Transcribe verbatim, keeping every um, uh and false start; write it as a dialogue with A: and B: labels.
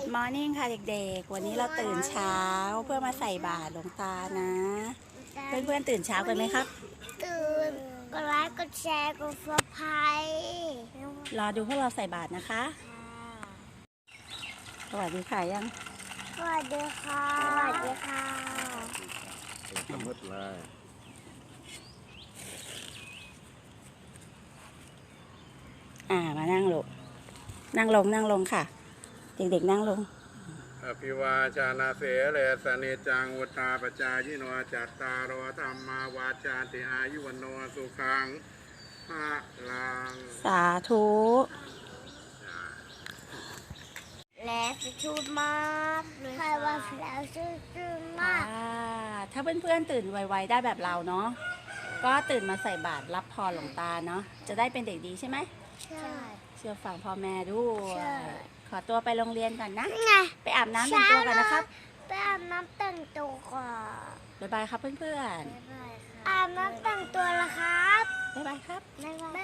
A: Good morning ค่ะเด็กๆวันนี้เราตื่นเช้าเพื่อมาใส่บาตรหลวงตานะ เพื่อนๆตื่นเช้ากันไหมครับ
B: ตื่นกดไลค์กดแชร์กดซับสไครต์
A: รอดูพวกเราใส่บาตรนะคะสวัสดีค่ะยัง
B: สวัสดีค่ะสวัสดีค่ะ
C: สมุดเลย
A: อ่ามานั่งลงนั่งลงนั่งลงค่ะเด็กๆนั่งลง
C: อภิวาจานาเสเลสเนจังวุตาปจายิโนจัตตารโอธรรมาวาจาติอายุวโนสุขังภะลัง
A: สาธุ
B: และชุดมากเลยใครว่าแล้วชุดชุดมาก
A: ถ้าเพื่อนๆตื่นไวๆได้แบบเราเนาะก็ตื่นมาใส่บาตรรับพรหลวงตาเนาะจะได้เป็นเด็กดีใช่ไหม
B: ใช่
A: เชื่อฟังพ่อแม่ด้วย
B: ใช่
A: ขอตัวไปโรงเรียนก่อนนะ
B: ไง
A: ไปอาบน้ำแต่งตัวกันนะครับ
B: ไปอาบน้ำแต่งตัวก่อน
A: บ๊ายบายครับเพื่อน
B: ๆอาบน้ำแต่งตัวละครับ
A: บ๊ายบายครับ
B: บ๊ายบาย